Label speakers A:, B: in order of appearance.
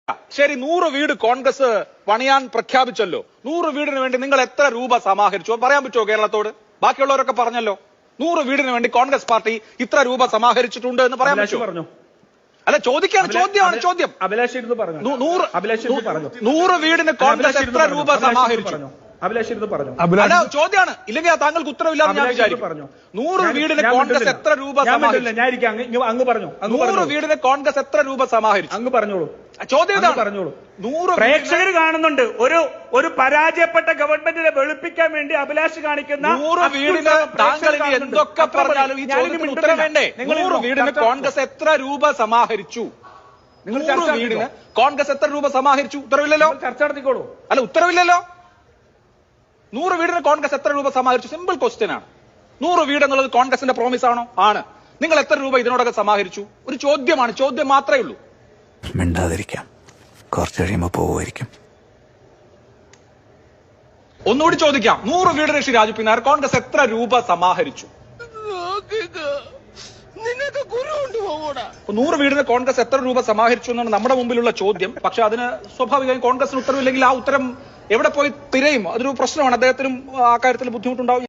A: ശരി, 100 വീട് കോൺഗ്രസ് പണിയാൻ പ്രഖ്യാപിച്ചല്ലോ. 100 വീടിന് വേണ്ടി നിങ്ങൾ എത്ര രൂപ സമാഹരിച്ചു പറയാൻ പറ്റുമോ കേരളത്തോട്? ബാക്കിയുള്ളവരൊക്കെ പറഞ്ഞല്ലോ 100 വീടിന് വേണ്ടി കോൺഗ്രസ് പാർട്ടി ഇത്ര രൂപ സമാഹരിച്ചിട്ടുണ്ട് എന്ന് പറയാൻ പറ്റുമോ? അല്ല, ചോദ്യമാണ്. 100 വീടിന് കോൺഗ്രസ് എത്ര രൂപ സമാഹരിച്ചു? അല്ല, ചോദ്യമാണ്. ഇല്ലെങ്കിൽ താങ്കൾക്ക് ഉത്തരവില്ലാതെ ഞാൻ വിചാരിക്കും. 100 വീടിന് കോൺഗ്രസ് എത്ര രൂപ സമാഹരിച്ചു? 100 വീടിന് കോൺഗ്രസ് എത്ര രൂപ സമാഹരിച്ചു?
B: അങ്ങ് പറഞ്ഞോളൂ.
A: ചോദ്യം പറഞ്ഞോളൂ. 100
B: പ്രേക്ഷകർ കാണുന്നുണ്ട്. ഒരു പരാജയപ്പെട്ട ഗവൺമെന്റിനെ വെളുപ്പിക്കാൻ വേണ്ടി അഭിലാഷ് കാണിക്കുന്ന
A: 100 വീടിന് താങ്കൾ ഇനി എന്തൊക്കെ പറഞ്ഞാലും ഈ ചോദ്യത്തിന് ഉത്തരം വേണ്ടേ? 100 വീടിന് കോൺഗ്രസ് എത്ര രൂപ സമാഹരിച്ചു? 100 വീടിന് കോൺഗ്രസ് എത്ര രൂപ സമാഹരിച്ചു? ഉത്തരവില്ലല്ലോ.
B: ചർച്ച നടത്തിക്കോളൂ.
A: അല്ല, ഉത്തരവില്ലല്ലോ. 100 വീടിന് കോൺഗ്രസ് എത്ര രൂപ സമാഹരിച്ചു? സിമ്പിൾ ക്വസ്റ്റ്യൻ ആണ്. 100 വീട് എന്നുള്ളത് കോൺഗ്രസിന്റെ പ്രോമിസ് ആണോ? ആണ്. നിങ്ങൾ എത്ര രൂപ ഇതിനോടൊക്കെ സമാഹരിച്ചു? ഒരു ചോദ്യമാണ്. ചോദ്യം മാത്രമേ ഉള്ളൂ.
C: മിണ്ടാതിരിക്കാം, കുറച്ച് കഴിയുമ്പോ പോവുമായിരിക്കും.
A: ഒന്നുകൂടി ചോദിക്കാം. 100 വീടിന് ശ്രീ രാജു പിന്നാർ കോൺഗ്രസ് എത്ര രൂപ സമാഹരിച്ചു? 100 വീടിന് കോൺഗ്രസ് എത്ര രൂപ സമാഹരിച്ചു എന്നാണ് നമ്മുടെ മുമ്പിലുള്ള ചോദ്യം. പക്ഷെ അതിന് സ്വാഭാവികമായും കോൺഗ്രസിന് ഉത്തരവില്ലെങ്കിൽ ആ ഉത്തരം എവിടെ പോയി തിരയും? അതൊരു പ്രശ്നമാണ്. അദ്ദേഹത്തിനും ആ കാര്യത്തിൽ ബുദ്ധിമുട്ടുണ്ടാവും.